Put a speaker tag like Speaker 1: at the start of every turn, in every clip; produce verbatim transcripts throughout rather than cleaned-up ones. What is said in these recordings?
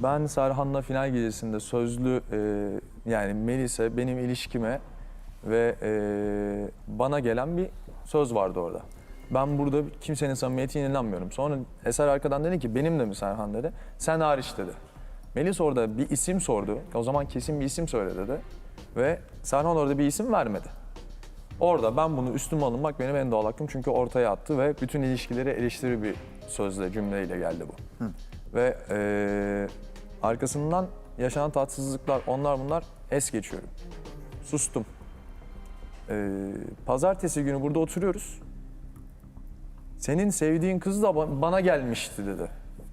Speaker 1: Ben Serhan'la final gecesinde sözlü e, yani Melis'e, benim ilişkime ve e, bana gelen bir söz vardı orada. Ben burada kimsenin samimiyetine inanmıyorum. Sonra Eser arkadan dedi ki benim de mi Serhan dedi. Sen hariç dedi. Melis orada bir isim sordu. O zaman kesin bir isim söyle dedi. Ve Serhan orada bir isim vermedi. Orada ben bunu üstüme alınmak benim en doğal hakkım. Çünkü ortaya attı ve bütün ilişkileri eleştiri bir sözle, cümleyle geldi bu. Hı. Ve e, arkasından yaşanan tatsızlıklar, onlar bunlar es geçiyorum. Sustum. E, pazartesi günü burada oturuyoruz. Senin sevdiğin kız da bana gelmişti dedi.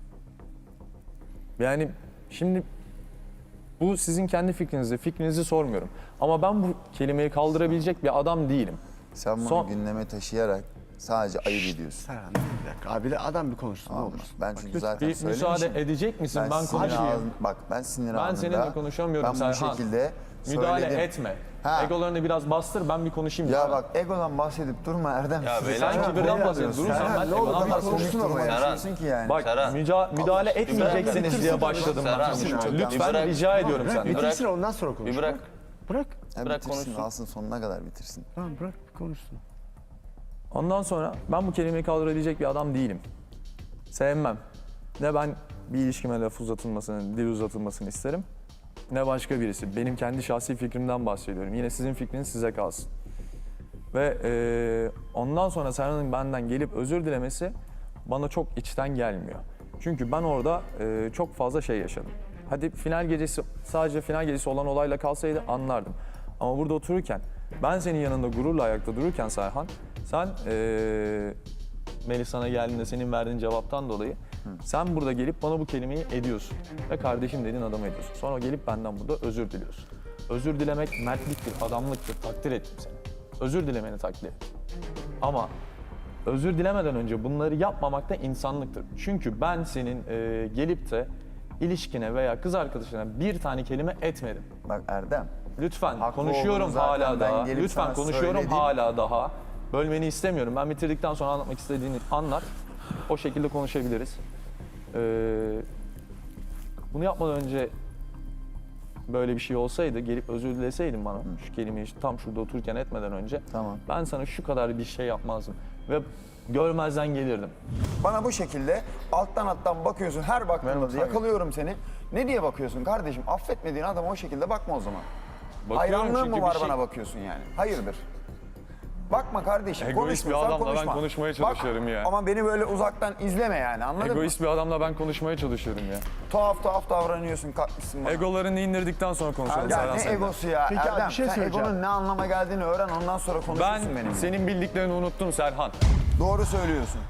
Speaker 1: Yani şimdi bu sizin kendi fikrinizi, fikrinizi sormuyorum. Ama ben bu kelimeyi kaldırabilecek bir adam değilim.
Speaker 2: Sen bunu
Speaker 1: Son-
Speaker 2: gündeme taşıyarak sadece ayıp ediyorsun.
Speaker 3: Serhan bir dakika abi de adam bir konuşsun ne
Speaker 2: Tamam mı?
Speaker 3: olur.
Speaker 2: Ben çünkü zaten
Speaker 1: Bir
Speaker 2: söylemişim.
Speaker 1: müsaade edecek misin? Ben,
Speaker 2: sinir
Speaker 1: konuşayım.
Speaker 2: anı- Bak ben sinir
Speaker 1: Ben
Speaker 2: anında.
Speaker 1: seninle konuşamıyorum
Speaker 2: Ben bu
Speaker 1: Serhan.
Speaker 2: şekilde
Speaker 1: Müdahale
Speaker 2: söyledim.
Speaker 1: etme.
Speaker 2: Ha.
Speaker 1: Egolarını biraz bastır, ben bir konuşayım.
Speaker 2: Ya
Speaker 1: sana.
Speaker 2: bak egodan bahsedip durma Erdem.
Speaker 4: Ya beyler,
Speaker 1: Sen
Speaker 4: Serhan,
Speaker 1: kibirden bahsediyorsun. Durursan
Speaker 3: Serhan,
Speaker 1: ben
Speaker 3: ne olur,
Speaker 1: egodan
Speaker 3: bir
Speaker 1: bahsediyorum.
Speaker 3: konuşsun ama ya.
Speaker 2: Konuşuyorsun ki yani.
Speaker 1: Bak
Speaker 4: Serhan.
Speaker 1: müca- müdahale etmeyeceksiniz
Speaker 4: bitirsin
Speaker 1: diye
Speaker 4: de
Speaker 1: başladım ben.
Speaker 4: Serhan,
Speaker 1: konuşmaya.
Speaker 4: bir
Speaker 1: Lütfen
Speaker 4: bırak.
Speaker 1: rica ediyorum
Speaker 3: Bırak
Speaker 1: senden.
Speaker 3: bitirsin ondan sonra konuş.
Speaker 4: Bir bırak.
Speaker 3: Bırak.
Speaker 2: Ya
Speaker 4: bırak
Speaker 2: bitirsin,
Speaker 4: konuşsun.
Speaker 2: alsın sonuna kadar bitirsin.
Speaker 3: Tamam bırak bir konuşsun.
Speaker 1: Ondan sonra ben bu kelimeyi kaldırabilecek bir adam değilim. Sevmem. Ne ben bir ilişkime laf uzatılmasını, dil uzatılmasını isterim. Ne başka birisi. Benim kendi şahsi fikrimden bahsediyorum. Yine sizin fikriniz size kalsın. Ve e, ondan sonra Serhan'ın benden gelip özür dilemesi bana çok içten gelmiyor. Çünkü ben orada e, çok fazla şey yaşadım. Hadi final gecesi, sadece final gecesi olan olayla kalsaydı anlardım. Ama burada otururken, ben senin yanında gururla ayakta dururken Serhan, sen e, Melis sana geldiğinde senin verdiğin cevaptan dolayı sen burada gelip bana bu kelimeyi ediyorsun. Ve kardeşim dediğin adamı ediyorsun. Sonra gelip benden burada özür diliyorsun. Özür dilemek mertliktir, adamlıktır, takdir ettim seni. Özür dilemeni takdir ettim. Ama özür dilemeden önce bunları yapmamak da insanlıktır. Çünkü ben senin e, gelip de ilişkine veya kız arkadaşına bir tane kelime etmedim.
Speaker 2: Bak Erdem.
Speaker 1: Lütfen
Speaker 2: Haklı
Speaker 1: konuşuyorum
Speaker 2: olduğunu zaten
Speaker 1: hala
Speaker 2: ben
Speaker 1: daha.
Speaker 2: gelip
Speaker 1: Lütfen
Speaker 2: sana
Speaker 1: konuşuyorum
Speaker 2: söyledim.
Speaker 1: hala daha. Bölmeni istemiyorum. Ben bitirdikten sonra anlatmak istediğini anlat. O şekilde konuşabiliriz. Ee, bunu yapmadan önce böyle bir şey olsaydı, gelip özür dileseydin bana şu kelimeyi tam şurada otururken etmeden önce
Speaker 2: Tamam.
Speaker 1: ben sana şu kadar bir şey yapmazdım ve görmezden gelirdim.
Speaker 2: Bana bu şekilde alttan alttan bakıyorsun, her baktığında da yakalıyorum seni. Ne diye bakıyorsun kardeşim? Affetmediğin adama o şekilde bakma o zaman.
Speaker 1: Bakıyorum
Speaker 2: Hayranlığın
Speaker 1: çünkü
Speaker 2: mı
Speaker 1: bir
Speaker 2: var
Speaker 1: şey-
Speaker 2: bana bakıyorsun yani? Hayırdır? Bakma kardeşim,
Speaker 1: Egoist bir
Speaker 2: konuşmuyorsan
Speaker 1: adamla ben
Speaker 2: konuşma.
Speaker 1: konuşmaya
Speaker 2: Bak,
Speaker 1: çalışıyorum ya.
Speaker 2: Ama beni böyle uzaktan izleme yani, anladın
Speaker 1: Egoist
Speaker 2: mı?
Speaker 1: bir adamla ben konuşmaya çalışıyorum ya.
Speaker 2: Tuhaf tuhaf davranıyorsun, kalkmışsın bana.
Speaker 1: Egolarını indirdikten sonra konuşalım
Speaker 2: Ya
Speaker 1: Serhan
Speaker 2: ne
Speaker 1: seninle.
Speaker 2: egosu ya?
Speaker 3: Peki abi,
Speaker 2: Erdem,
Speaker 3: bir şey
Speaker 2: sen
Speaker 3: söyleyeceğim.
Speaker 2: egonun ne anlama geldiğini öğren, ondan sonra
Speaker 1: Ben
Speaker 2: konuşursun benimle.
Speaker 1: senin bildiklerini unuttum Serhan.
Speaker 2: Doğru söylüyorsun.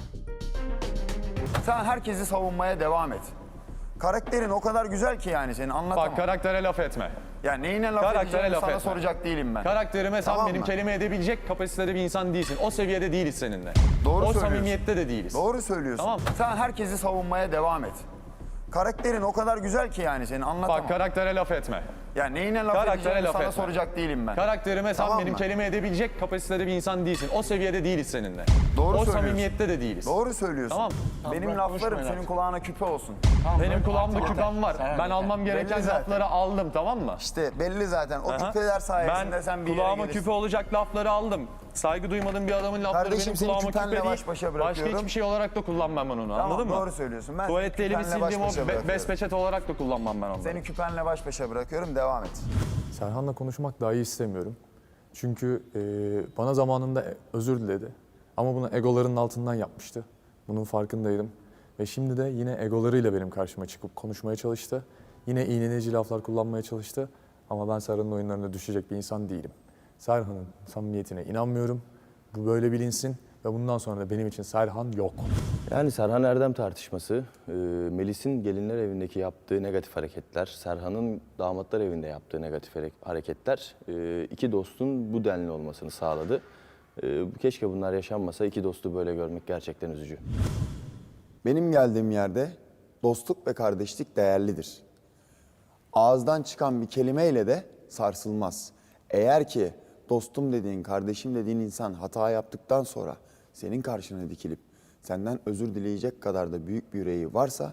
Speaker 2: Sen herkesi savunmaya devam et. Karakterin o kadar güzel ki yani senin, anlatamam.
Speaker 1: Bak karaktere laf etme.
Speaker 2: Ya neyine laf
Speaker 1: Karaktere
Speaker 2: edeceğimi
Speaker 1: laf
Speaker 2: sana
Speaker 1: etme.
Speaker 2: soracak değilim ben.
Speaker 1: Karakterime sen
Speaker 2: Tamam
Speaker 1: benim
Speaker 2: mı?
Speaker 1: kelime edebilecek kapasitede bir insan değilsin. O seviyede değiliz seninle.
Speaker 2: Doğru
Speaker 1: o
Speaker 2: söylüyorsun.
Speaker 1: samimiyette de değiliz.
Speaker 2: Doğru söylüyorsun.
Speaker 1: Tamam.
Speaker 2: Sen herkesi savunmaya devam et. Karakterin o kadar güzel ki yani senin, anlatamam.
Speaker 1: Bak karaktere laf etme.
Speaker 2: Ya neyine laf
Speaker 1: Karaktere
Speaker 2: edeceğimi
Speaker 1: laf
Speaker 2: sana
Speaker 1: etme.
Speaker 2: soracak değilim ben.
Speaker 1: Karakterime sen
Speaker 2: Tamam
Speaker 1: benim
Speaker 2: mı?
Speaker 1: kelime edebilecek kapasitede bir insan değilsin. O seviyede değiliz seninle.
Speaker 2: Doğru
Speaker 1: o
Speaker 2: söylüyorsun.
Speaker 1: samimiyette de değiliz.
Speaker 2: Doğru söylüyorsun.
Speaker 1: Tamam.
Speaker 2: Benim
Speaker 1: bırak
Speaker 2: laflarım
Speaker 1: konuşmayın
Speaker 2: senin
Speaker 1: artık.
Speaker 2: kulağına küpe olsun.
Speaker 1: Benim kulağımda küpem var. Ben almam gereken
Speaker 2: Belli zaten.
Speaker 1: lafları aldım, tamam mı?
Speaker 2: İşte belli zaten. O
Speaker 1: Aha.
Speaker 2: küpeler sayesinde
Speaker 1: ben
Speaker 2: sen bir yere
Speaker 1: kulağıma
Speaker 2: gelirsin.
Speaker 1: küpe olacak lafları aldım. Saygı duymadığım bir adamın lafları
Speaker 2: Kardeşim,
Speaker 1: benim
Speaker 2: seni
Speaker 1: kulağıma
Speaker 2: küpenle
Speaker 1: küpe değil.
Speaker 2: baş başa
Speaker 1: Başka
Speaker 2: bırakıyorum.
Speaker 1: hiçbir şey olarak da kullanmam ben onu,
Speaker 2: Tamam,
Speaker 1: anladın mı?
Speaker 2: doğru söylüyorsun. Ben
Speaker 1: Tuvalette
Speaker 2: seni
Speaker 1: elimi
Speaker 2: küpenle baş
Speaker 1: sildiğim o
Speaker 2: başa
Speaker 1: be-
Speaker 2: bırakıyorum.
Speaker 1: bez peçete olarak da kullanmam ben onu.
Speaker 2: Seni küpenle baş başa bırakıyorum, devam et.
Speaker 1: Serhan'la konuşmak dahi istemiyorum. Çünkü e, bana zamanında özür diledi. Ama bunu egolarının altından yapmıştı. Bunun farkındaydım. Ve şimdi de yine egolarıyla benim karşıma çıkıp konuşmaya çalıştı. Yine iğneleyici laflar kullanmaya çalıştı. Ama ben Serhan'ın oyunlarına düşecek bir insan değilim. Serhan'ın samimiyetine inanmıyorum. Bu böyle bilinsin. Ve bundan sonra da benim için Serhan yok.
Speaker 4: Yani Serhan Erdem tartışması, e, Melis'in gelinler evindeki yaptığı negatif hareketler, Serhan'ın damatlar evinde yaptığı negatif hare- hareketler e, iki dostun bu denli olmasını sağladı. E, keşke bunlar yaşanmasa, iki dostu böyle görmek gerçekten üzücü.
Speaker 2: Benim geldiğim yerde dostluk ve kardeşlik değerlidir. Ağızdan çıkan bir kelimeyle de sarsılmaz. Eğer ki dostum dediğin, kardeşim dediğin insan hata yaptıktan sonra senin karşına dikilip senden özür dileyecek kadar da büyük bir yüreği varsa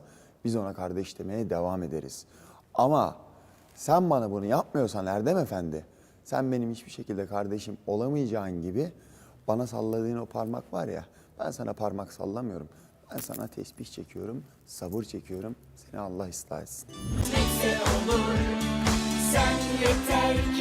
Speaker 2: Biz ona kardeş demeye devam ederiz. Ama sen bana bunu yapmıyorsan Erdem Efendi, sen benim hiçbir şekilde kardeşim olamayacağın gibi bana salladığın o parmak var ya, ben sana parmak sallamıyorum. Ben sana tesbih çekiyorum, sabır çekiyorum. Seni Allah ıslah etsin.
Speaker 5: Neyse olur, sen yeter ki